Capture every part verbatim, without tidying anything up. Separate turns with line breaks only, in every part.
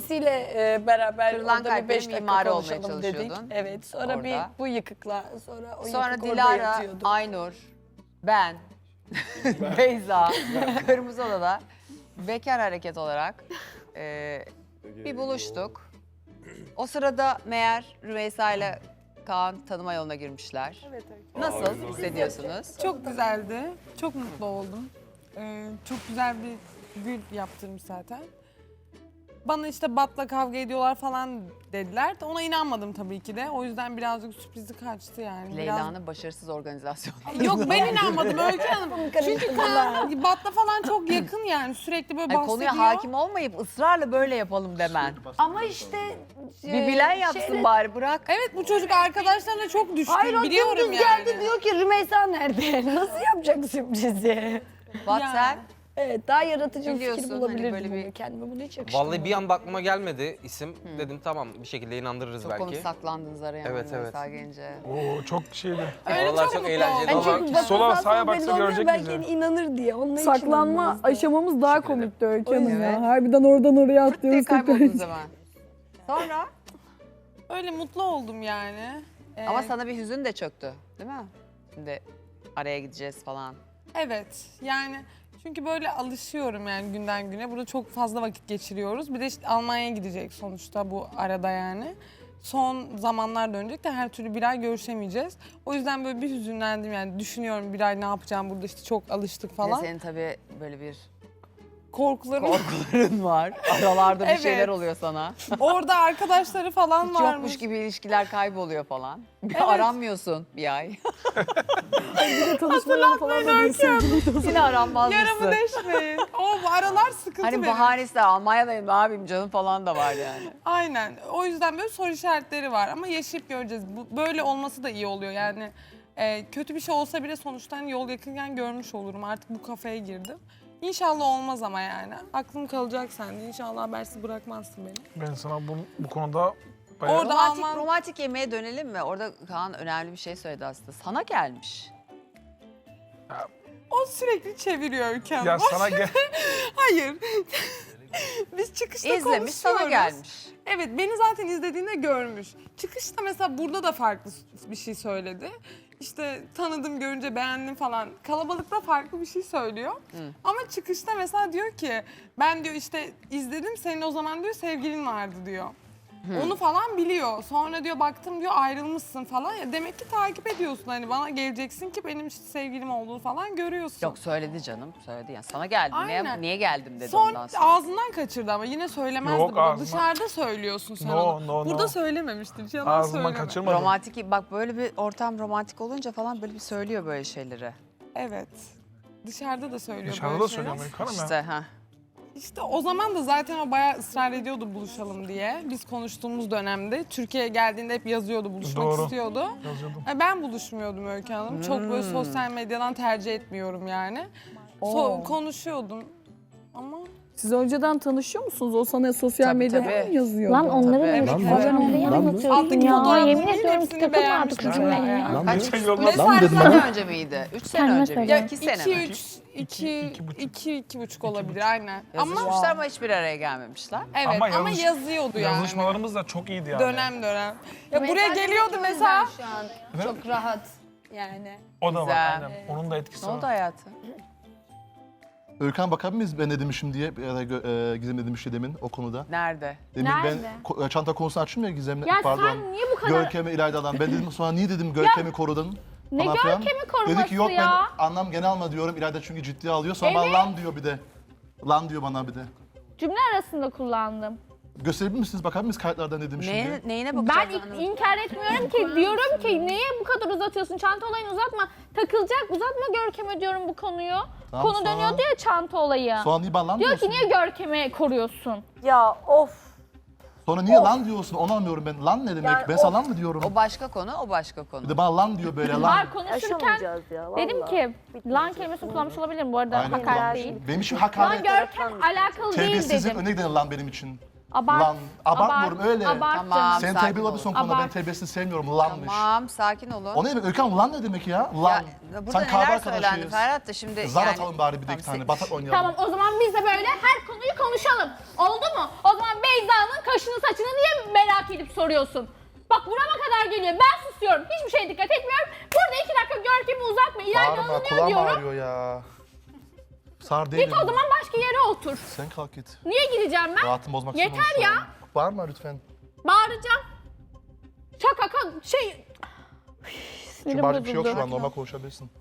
annesiyle e, beraber
Kırılan
orada bir
kalplerin
beş dakika
mimarı olmaya
konuşalım dedik.
çalışıyordun.
Evet, sonra
Orada.
bir bu yıkıkla, sonra o
Sonra
yıkık orada
Dilara,
yatıyordu.
Aynur, ben, Beyza, Kırmızı Oda'da bekar hareket olarak e, bir buluştuk. O sırada meğer Rümeysa ile Kaan tanıma yoluna girmişler.
Evet, evet.
Nasıl hissediyorsunuz?
Çok güzeldi. Çok mutlu oldum. Ee, çok güzel bir gül yaptırmış zaten. Bana işte Bat'la kavga ediyorlar falan dediler. Ona inanmadım tabii ki de. O yüzden birazcık sürprizi kaçtı yani.
Leyla'nın başarısız organizasyonu.
Biraz... Yok ben inanmadım Öykü Hanım. Çünkü Kaan Bat'la falan çok yakın yani. Sürekli böyle
Ay,
bahsediyor.
konuya hakim olmayıp ısrarla böyle yapalım demen.
Ama işte...
Bir bilen yapsın
şeyle-
bari, bırak.
Evet bu çocuk arkadaşlarına çok düşkün.
Hayır o
biliyorum
dümdüz
yani.
geldi diyor ki Rümeysa nerede? Nasıl yapacak sürprizi?
Bat
Ya.
sen?
Evet, daha yaratıcı bir
Biliyorsun,
fikir
hani
bulabilirdim
böyle bir-
ama kendime bunu hiç yakıştırmadım.
Vallahi bir an aklıma gelmedi isim. Dedim tamam bir şekilde inandırırız
Çok
belki.
konu saklandınız araya.
Evet,
Rümeysa gelince.
Oo çok şeydi.
Öyle
Oralar
çok
çok
mutlu
eğlenceli.
oldum.
Yani çünkü
Valla sola,
baksa
sağa
belli
baksa
olmuyor,
görecek
belki
bizi.
hani inanır diye. Onun için
Saklanma
inanmazdı.
aşamamız daha
Teşekkür ederim.
komikti Öykü Hanım
Evet.
ya. Harbiden oradan oraya
Fırt diye
atlıyoruz.
kayboldunuz hemen. Sonra?
Öyle mutlu oldum yani. Ee,
Ama sana bir hüzün de çöktü, değil mi? Şimdi araya gideceğiz falan.
Evet yani çünkü böyle alışıyorum yani günden güne. Burada çok fazla vakit geçiriyoruz. Bir de işte Almanya'ya gidecek sonuçta bu arada yani. Son zamanlar dönecek de her türlü bir ay görüşemeyeceğiz. O yüzden böyle bir hüzünlendim yani düşünüyorum bir ay ne yapacağım burada işte çok alıştık
Bir de
falan.
senin tabii böyle bir
Korkularım.
korkuların var. Aralarda bir
Evet.
şeyler oluyor sana.
Orada arkadaşları falan
Hiç
varmış.
yokmuş gibi ilişkiler kayboluyor falan.
Evet.
Aranmıyorsun bir ay.
Tanışmalarına falan da diyorsun.
Yine aranmazmışsın.
Yaramı deşmeyin. O bu aralar sıkıntı
Hani
benim.
bahanesi Almanya'dayım ne yapayım canım falan da var yani.
Aynen. O yüzden böyle soru işaretleri var ama yaşayıp göreceğiz. Bu, böyle olması da iyi oluyor yani. e, kötü bir şey olsa bile sonuçta hani yol yakınken görmüş olurum. Artık bu kafaya girdim. İnşallah olmaz ama yani. Aklım kalacak sende. İnşallah habersiz bırakmazsın beni.
Ben sana bu, bu konuda bayağı...
Orada
Romantik,
Alman...
romantik yemeğe dönelim mi? Orada Kaan önemli bir şey söyledi aslında. Sana gelmiş.
O sürekli çeviriyor Öykü Hanım.
Ya sana gel...
Hayır. Biz çıkışta
İzlemiş,
konuşuyoruz.
sana gelmiş.
Evet, beni zaten izlediğinde görmüş. Çıkışta mesela burada da farklı bir şey söyledi. İşte tanıdım, görünce beğendim falan. Kalabalıkta farklı bir şey söylüyor. Ama çıkışta mesela diyor ki, ben diyor işte izledim, senin o zaman diyor sevgilin vardı diyor. Onu falan biliyor. Sonra diyor baktım diyor ayrılmışsın falan. Ya demek ki takip ediyorsun hani bana geleceksin ki benim işte sevgilim olduğunu falan görüyorsun.
Yok söyledi canım, söyledi. Yani sana geldim, niye,
Aynen.
niye geldim dedi
Son
ondan sonra.
ağzından kaçırdı ama yine söylemezdi.
Yok,
bunu.
ağzından-
Dışarıda söylüyorsun sen
No,
onu.
no,
Burada
no.
söylememiştir. Yalan
Ağzından
söyleme.
kaçırmadım.
Romantik, bak böyle bir ortam romantik olunca falan böyle bir söylüyor böyle şeyleri.
Evet. Dışarıda da söylüyor
Dışarıda
böyle
da
şeyler.
söylüyorum Öykü Hanım ya.
İşte ha.
İşte o zaman da zaten o bayağı ısrar ediyordu buluşalım diye. Biz konuştuğumuz dönemde Türkiye'ye geldiğinde hep yazıyordu, buluşmak
Doğru.
istiyordu.
Yazıyordum.
E, Ben buluşmuyordum Öykü Hanım. Çok böyle
Hmm.
sosyal medyadan tercih etmiyorum yani. So-
Oo.
konuşuyordum ama
Siz önceden tanışıyor musunuz? O sana sosyal
Tabii,
medyada
tabii.
mı yazıyordu?
Lan onların
Tabii,
evet,
evet.
ben olayı anlatıyordum
alttaki
ya.
fotoğrafları
Yemin
değil,
ediyorum
hepsini
takılmadı
beğenmiştim
kızım
ben
benim
ya.
ya.
Kaç?
Şey yolla-
Üç
Lan
sene
dedim
sene önce miydi? Üç sene
Kendime
önce miydi?
söylüyorum.
İki sene
iki,
mi?
üç, iki,
iki buçuk.
iki, iki buçuk olabilir aynen. Ama
Yazışmışlar ama hiçbir araya gelmemişler.
evet
Ama
ama,
yazış-
yazıyordu yani.
Yazışmalarımız da çok iyiydi yani.
Dönem dönem. Ya buraya geliyordu mesela.
Şu an çok rahat yani.
O da var
Güzel.
aynen. Onun da etkisi
Ne oldu
var.
hayatım?
Örkan bakabilir miyiz ben ne demişim diye ya da Gö- e, Gizem ne demişti demin o konuda.
Nerede?
Demin
Nerede?
ben ko- çanta konusunu açtım ya Gizem'le
Ya
pardon.
sen niye bu kadar...
Görkem'i İlayda'dan. Ben dedim sonra niye dedim Görkem'i korudun?
Ne
falan filan.
Görkem'i koruması
Dedi ki yok
ya?
ben anlam gene alma diyorum. İlayda çünkü ciddiye alıyor. Sonra bana
Evet.
lan diyor bir de. Lan diyor bana bir de.
Cümle arasında kullandım.
Gösterebilir misiniz? Bakar mıyız kayıtlardan ne demişim
Neye,
diye?
neyine
Ben
bakacağız?
ik- inkar etmiyorum ki. Diyorum ki niye bu kadar uzatıyorsun? Çanta olayını uzatma. Takılacak. Uzatma Görkem'e diyorum bu konuyu.
Tamam,
Konu
sonra-
dönüyordu ya çanta olayı.
Sonra niye bana lan
Diyor
diyorsun?
ki niye Görkem'i koruyorsun?
Ya of.
Sonra niye lan diyorsun? Onu anlamıyorum ben. Lan ne demek?
Yani
ben sana lan mı diyorum?
O başka konu, o başka konu.
Bir de bana lan diyor böyle lan.
Var konuşurken
Yaşamayacağız ya vallahi.
dedim ki lan kelimesini kullanmış olabilirim. Bu arada
Aynen,
hakaret
kullanmış.
değil.
Benim için
Lan
hakaret.
Görkem alakalı değil
Terbiyesizlik
dedim.
önüne giden lan benim için.
Abart.
Lan. Abartmıyorum
abart,
öyle.
Abart
Tamam.
canım.
Sen
Sakin
terbiyeli
ol.
olabilirsin konuda ben
Abart.
terbiyesini sevmiyorum. Lanmış.
Tamam, sakin olun.
O ne demek? Öykü Hanım lan ne demek ya? Lan.
Ya, burada
Sen kahve
neler söylendi
arkadaşıyız.
Ferhat da şimdi
Zar
yani...
atalım bari bir de
Tamam,
iki tane.
sen-
Batak oynayalım.
Tamam o zaman biz de böyle her konuyu konuşalım. Oldu mu? O zaman Beyza'nın merak edip soruyorsun. Bak burama kadar geliyor. Ben susuyorum. Hiçbir şeye dikkat etmiyorum. Burada iki dakika Görkem'i uzatma. İlayda
Bağırma,
alınıyor
kulağım
diyorum.
ağrıyor ya. Sar değilim.
Git o zaman başka yere otur.
Sen kalk git.
Niye gideceğim ben?
Rahatımı bozmak
Yeter
istemiyorum şu
ya.
an. Bağırma lütfen.
Bağıracağım. Şaka ka şey...
Çünkü
Sinirim
bağıracak bir şey yok
bozuldu.
şu an. Normal konuşabilirsin.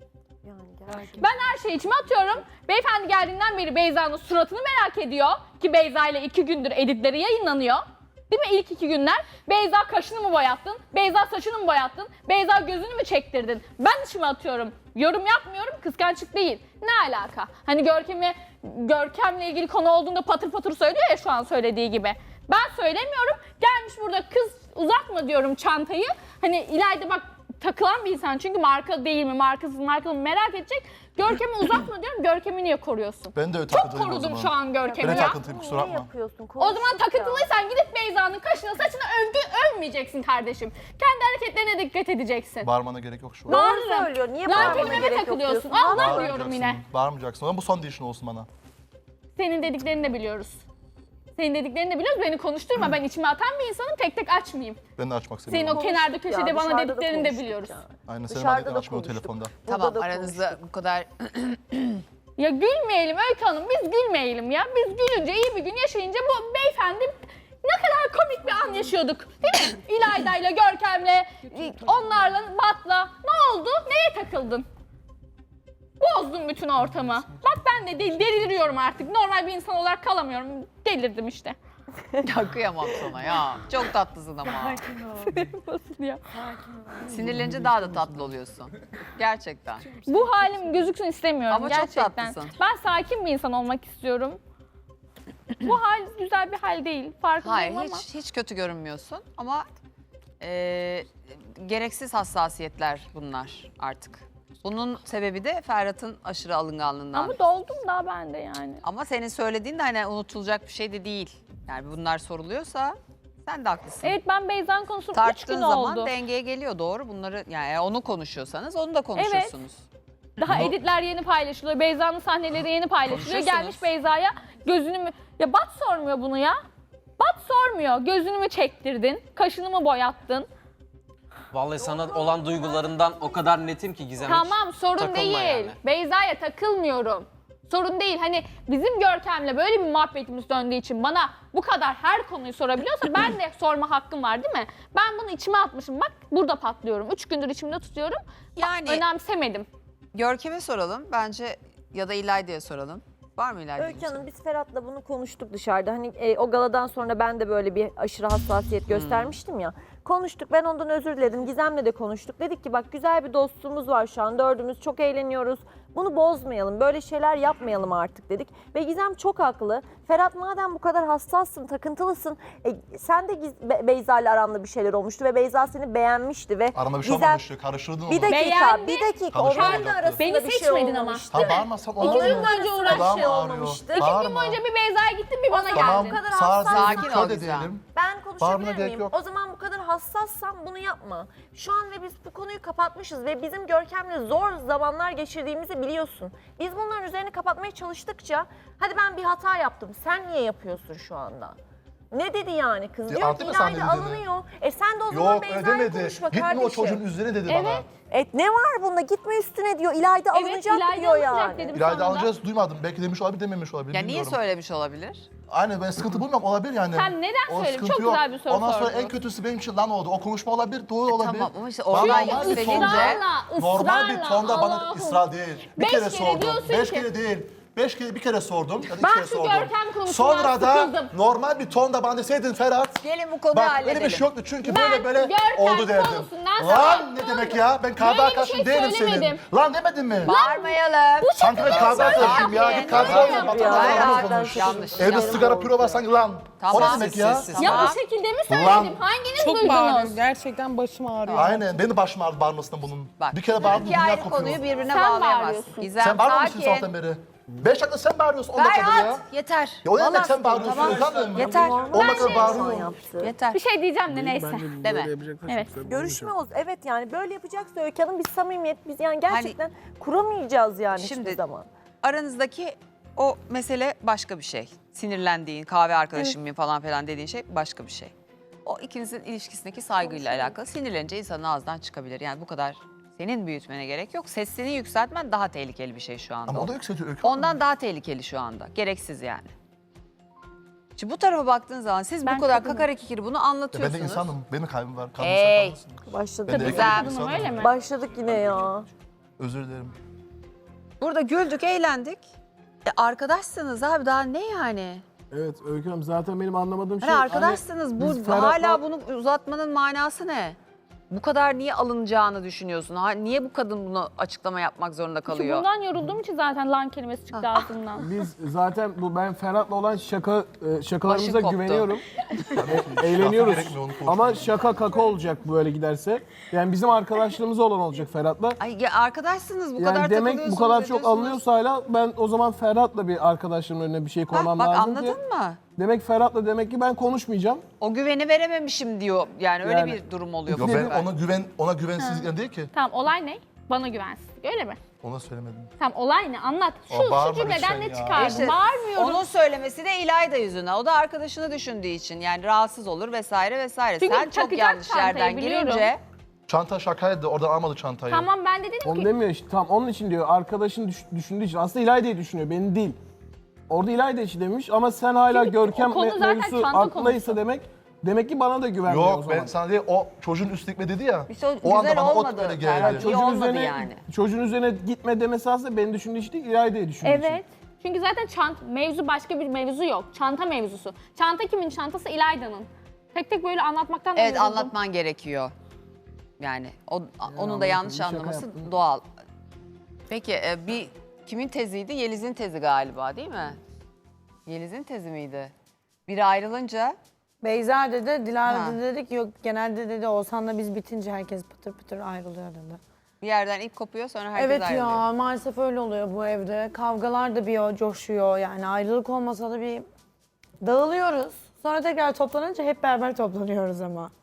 Ben her şeyi içime atıyorum. Beyefendi geldiğinden beri Beyza'nın suratını merak ediyor. Ki Beyza ile iki gündür editleri yayınlanıyor. Değil mi ilk iki günler? Beyza kaşını mı boyattın? Beyza saçını mı boyattın? Beyza gözünü mü çektirdin? Ben içime atıyorum. Yorum yapmıyorum, kıskançlık değil. Ne alaka? Hani Görkem'i, Görkem'le ilgili konu olduğunda patır patır söylüyor ya şu an söylediği gibi. Ben söylemiyorum. Gelmiş burada kız uzatma diyorum çantayı. Hani İlayda bak takılan bir insan çünkü marka değil mi, markasız markalı mı merak edecek. Görkem'i uzatma diyorum. Görkem'i niye koruyorsun?
Ben de öyle
Çok
takıntılıyım o
korudum
zaman.
şu an Görkem'i
Ben de
ya.
takıntılıyım kusura bakma.
yapıyorsun?
O zaman takıntılıysan gidip Beyza'nın kaşına saçına övgü övmeyeceksin kardeşim. Kendi hareketlerine dikkat edeceksin.
Bağırmana gerek yok şu an.
Bağırırım.
söylüyor. Niye
Lan
bağırmana
kelimeme
gerek yok
takılıyorsun.
diyorsun?
Allah diyorum
Bağırmayacaksın.
yine.
Bağırmayacaksın. Ama bu son dişin olsun bana.
Senin dediklerini de biliyoruz. Senin dediklerini de biliyoruz. Beni konuşturma. Ben içime atan bir insanım. Tek tek açmayayım.
Ben de açmak
Senin
istemiyorum.
o kenarda köşede
Ya,
bana
dışarıda da
dediklerini de
konuştuk
biliyoruz.
ya.
Aynen senin
Dışarıda
adetini
da
açmıyor
konuştuk.
telefonda.
Tamam
Burada da
aranızda
konuştuk.
bu kadar
Ya gülmeyelim Öykü Hanım. Biz gülmeyelim ya. Biz gülünce iyi bir gün yaşayınca bu beyefendi ne kadar komik bir an yaşıyorduk. Değil mi? İlayda'yla, Görkem'le, onlarla, Bat'la. Ne oldu? Neye takıldın? Bozdun bütün ortamı. Bak ben de del- deliriyorum artık. Normal bir insan olarak kalamıyorum. Delirdim işte.
ya kıyamam sana ya. Çok tatlısın ama.
Nasıl ya?
Sinirlenince daha da tatlı oluyorsun. Gerçekten.
Bu halim gözüksün istemiyorum
Ama çok
gerçekten.
tatlısın.
Ben sakin bir insan olmak istiyorum. Bu hal güzel bir hal değil. Farkındayım
Hayır
ama.
hiç hiç kötü görünmüyorsun ama e, gereksiz hassasiyetler bunlar artık. Bunun sebebi de Ferhat'ın aşırı alınganlığından.
Ama doldum daha ben de yani.
Ama senin söylediğin de hani unutulacak bir şey de değil. Yani bunlar soruluyorsa sen de haklısın.
Evet ben Beyza'nın konusunu üç
Tarttığın
gün
zaman
oldu.
dengeye geliyor doğru. Bunları yani eğer onu konuşuyorsanız onu da konuşursunuz.
Daha editler yeni paylaşılıyor. Beyza'nın sahneleri yeni paylaşılıyor.
Konuşursunuz.
Gelmiş Beyza'ya gözünü mü... Ya Bat sormuyor bunu ya. Bat sormuyor. Gözünü mü çektirdin? Kaşını mı boyattın?
Vallahi sana olan duygularından o kadar netim ki Gizem. hiç
Tamam sorun
takılma
değil.
yani.
Beyza'ya takılmıyorum. Sorun değil. Hani bizim Görkem'le böyle bir muhabbetimiz döndüğü için bana bu kadar her konuyu sorabiliyorsa ben de sorma hakkım var değil mi? Ben bunu içime atmışım. Bak burada patlıyorum. Üç gündür içimde tutuyorum.
Yani
Önemsemedim.
Görkem'e soralım bence ya da İlayda'ya soralım. Var mı İlayda'nın?
Öykü Hanım biz Ferhat'la bunu konuştuk dışarıda. Hani e, o galadan sonra ben de böyle bir aşırı hassasiyet göstermiştim ya. Konuştuk, ben ondan özür diledim. Gizem'le de konuştuk. Dedik ki bak güzel bir dostluğumuz var şu an. Dördümüz çok eğleniyoruz. Bunu bozmayalım, böyle şeyler yapmayalım artık dedik. Ve Gizem çok haklı. Ferhat madem bu kadar hassassın, takıntılısın. E, sen de Giz- Be- Beyza ile aranda bir şeyler olmuştu ve Beyza seni beğenmişti ve
Arama bir şey
Gizem-
olmamıştı. Karıştırdın onu.
Bir dakika,
Beğendi.
bir dakika.
Karışma
Onların da
olacaktı.
arasında
Beni
bir şey
seçmedin ama.
olmamıştı.
Ha bağırmasan olmaz
İki gün
mı?
boyunca
Kulağım
uğraştı.
ağrıyor.
olmamıştı.
İki gün
Bağırma.
boyunca bir Beyza'ya gittin bir bana
Tamam,
geldin.
Bu kadar
sağ
hassas-
Sakin ol
şöyle
Gizem.
diyelim.
Ben
Bağırmana
konuşabilir
gerek
miyim?
yok.
O zaman bu kadar hassassan bunu yapma. Şu an ve biz bu konuyu kapatmışız ve bizim Görkem'le zor zamanlar geçirdiğimizi biliyorsun. Biz bunların üzerini kapatmaya çalıştıkça hadi ben bir hata yaptım. Sen niye yapıyorsun şu anda? Ne dedi yani kız?
Ya
Diyor ki
anladın mı sen
İlayda
ne dediğini?
alınıyor. E sen de o zaman
Yok öyle
Beyza'yla
demedi.
konuşma
Gitme
kardeşim.
o çocuğun üzerine dedi bana.
Evet.
E ne var bunda? Gitme üstüne diyor. İlayda
Evet,
alınacak
İlayda
diyor
alınacak
yani.
dedim.
İlayda
Sonra da-
alacağız duymadım. Belki demiş olabilir dememiş olabilir.
Ya niye
bilmiyorum.
söylemiş olabilir?
Aynen ben sıkıntı bulmuyorum olabilir yani.
Sen neden
O
söyledin?
sıkıntı
Çok
yok.
güzel bir soru
Ondan sonra
sordun.
en kötüsü benim için lan oldu. O konuşma olabilir, doğru olabilir.
Tamam ama işte
Bana
oradan
normal bir
yükselince-
tonda,
Israrla,
normal bir
ısrarla,
tonda bana
Allah'ım.
ısrar değil. Bir
Beş
kere,
kere
sordum.
diyorsun
Beş
ki-
kere değil. Beş kere bir kere sordum. Ya da iki
Ben
kere
şu
sordum.
Görkem konusuna
Sonra da
sıkıldım.
normal bir tonda bana deseydin Ferhat.
Gelin bu konuyu
Bak
halledelim.
benim bir şey yoktu çünkü
Ben
böyle böyle
Görkem
oldu derdim.
konusundan
Lan
sana-
ne demek ya? Ben kahve
Böyle bir
arkadaşın
şey
değilim senin.
söylemedim.
Lan demedin mi?
Bağırmayalım.
Sanki ben kahve arkadaşıyım ya. Git kahve
Hayır,
alma.
hayır,
Bakalım
hayır,
konuş.
yanlış.
Evde
yanlış.
sigara püro var sanki lan.
Tamam.
O ne demek ya?
Sessiz,
Ya
Tamam.
bu şekilde mi
Lan.
söyledim? Hanginiz
Çok
duydunuz?
bağırıyor. Gerçekten başım ağrıyor.
Aynen. Benim de başım ağrıdı bağırmasından bunun.
Bak,
Bir kere bağırdım
İki
dünya
ayrı
kopuyor.
konuyu birbirine
Sen
bağlayamazsın.
bağırıyorsun.
Gizem
Sen bağırmıyor musun
sakin.
sabahtan beri? Beş dakika sen bağırıyorsun, on dakikadır ya.
Ferhat yeter.
Ya o ne demek
Vallahi
sen bağırıyorsun?
tamam.
Utanmıyor musun?
Yeter.
On dakika bağırıyor.
Yaptı.
Yeter.
Bir şey diyeceğim de neyse.
Deme.
Evet.
Görüşme olsun. Evet yani böyle yapacaksa Öykü Hanım biz samimiyet biz yani gerçekten kuramayacağız yani
Şimdi-
hiçbir zaman.
Aranızdaki o mesele başka bir şey. Sinirlendiğin, kahve arkadaşım mıyım falan filan dediğin şey başka bir şey. O ikinizin ilişkisindeki saygıyla alakalı. Sinirlenince insanın ağzından çıkabilir. Yani bu kadar senin büyütmene gerek yok. Sesini yükseltmen daha tehlikeli bir şey şu anda.
Ama o da yükseltiyor Öykü Hanım.
Ondan daha tehlikeli şu anda. Gereksiz yani. Şimdi bu tarafa baktığın zaman siz
Ben
bu kadar
kadınım.
kakara kikiri bunu
Ya
anlatıyorsunuz.
ben de insanım. Benim de kalbim var. Kalbim
Hey.
kalmasın.
Başladık.
Ben de
Güzel.
erkek
Kadınım
insanım.
öyle mi?
Başladık yine ya.
Özür dilerim.
Burada güldük, eğlendik. E, arkadaşsınız abi daha ne yani?
Evet Öykü Hanım zaten benim anlamadığım şey...
Hani arkadaşsınız bu
biz Ferhat'la-
hala bunu uzatmanın manası ne? Bu kadar niye alınacağını düşünüyorsun? Ha, niye bu kadın bunu açıklama yapmak zorunda
Çünkü
kalıyor?
bundan yorulduğum için zaten lan kelimesi çıktı ağzımdan.
Biz zaten bu ben Ferhat'la olan şaka e, şakalarımıza
Başım koptu.
güveniyorum. E, eğleniyoruz.
gerekmiyor, onu konuşmaya.
Ama şaka kaka olacak böyle giderse. Yani bizim arkadaşlığımız olan olacak Ferhat'la.
Ay ya arkadaşsınız bu
Yani
kadar
demek bu
takılıyorsunuz,
kadar çok
ediyorsunuz.
alınıyorsa hala ben o zaman Ferhat'la bir arkadaşlığımın önüne bir şey
Hah,
koymam
bak
lazım
anladın
diye.
mı?
Demek Ferhat'la demek ki ben konuşmayacağım.
O güveni verememişim diyor. Yani öyle
Yani-
bir durum oluyor.
Yo,
bu
ben
sefer.
ona güven ona güvensizlikten değil ki.
Tamam olay ne? Bana güvensizlik öyle mi?
Ona söylemedim.
Tamam olay ne? Anlat. Şu,
O
şu
bağırma
cümleden
lütfen
ne
ya.
çıkardın?
İşte
Bağırmıyorum.
Onun söylemesi de İlayda yüzüne. O da arkadaşını düşündüğü için yani rahatsız olur vesaire vesaire.
Çünkü
Sen çok
takacak
yanlış
çantayı
yerden
biliyorum.
girince
Çanta şakaydı. Oradan almadı çantayı.
Tamam ben de dedim
Onu
ki
demiyor işte. Tam onun için diyor. Arkadaşın düş- düşündüğü için. Aslında İlayda'yı düşünüyor. Beni değil. Orada İlayda için demiş ama sen hala
Çünkü
Görkem
o konu
me-
zaten
mevzusu
çanta
aklıysa
konusu.
demek demek ki bana da güvenmiyor o
Yok
zaman.
ben sana değil o çocuğun üstlükme dedi ya.
İşte o
o anda
güzel
bana
olmadı.
ot böyle
Ferhat.
geldi.
İyi olmadı
üzerine,
yani.
Çocuğun üzerine gitme demesi aslında beni düşündüğü için değil, İlayda'yı düşündüğü için.
evet. Çünkü zaten çant mevzu başka bir mevzu yok. Çanta mevzusu. Çanta kimin çantası? İlayda'nın. Tek tek böyle anlatmaktan da
Evet
yoruldum.
anlatman gerekiyor. Yani o, onun da
anladım,
yanlış
bir şaka
anlaması
yaptım.
doğal. Peki e, bir kimin teziydi? Yeliz'in tezi galiba değil mi? Yeliz'in tezi miydi? Biri ayrılınca
Beyza dedi, Dilara
Ha.
dedi, dedi ki yok genelde dedi Oğuzhan'la biz bitince herkes pıtır pıtır ayrılıyor dedi.
bir yerden ip kopuyor sonra herkes
Evet
ayrılıyor.
ya maalesef öyle oluyor bu evde. Kavgalar da bir o coşuyor yani ayrılık olmasa da bir dağılıyoruz. Sonra tekrar toplanınca hep beraber toplanıyoruz ama.